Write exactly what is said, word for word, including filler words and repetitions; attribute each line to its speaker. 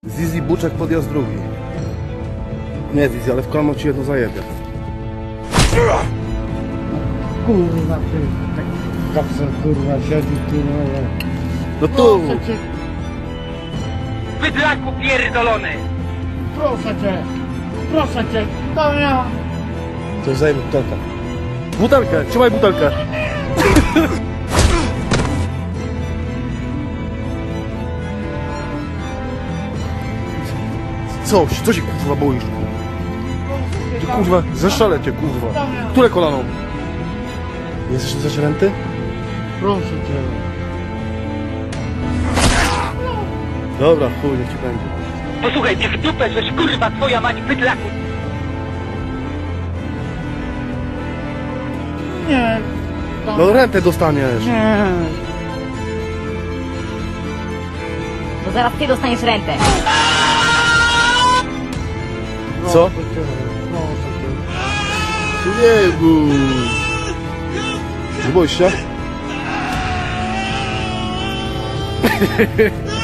Speaker 1: Zizi Buczek podjazd drugi. Nie Zizi, ale w kolano ci jedno zajebie.
Speaker 2: Kurwa, ty, tak kapsel, kurwa, siedzi, kurwa.
Speaker 1: No tu!
Speaker 2: Proszę cię,
Speaker 3: Bydlaku pierdolony!
Speaker 2: proszę cię, proszę cię, to ja.
Speaker 1: Coś zajmie butelkę. Butelkę, trzymaj butelkę. Co? Co się kurwa boisz? Ty kurwa, zeszalę cię kurwa. Które kolano? Nie jesteś zacięty?
Speaker 2: Proszę cię.
Speaker 1: Dobra, chuj, niech ci będzie.
Speaker 3: Posłuchaj, ty w dupę, żeś kurwa twoja mać bydlaku!
Speaker 2: Nie. to-
Speaker 1: No rentę dostaniesz.
Speaker 2: Nie.
Speaker 4: Bo zaraz ty dostaniesz rentę.
Speaker 1: Co?
Speaker 2: Proszę cię, proszę cię.
Speaker 1: Nie bój. Nie boisz się?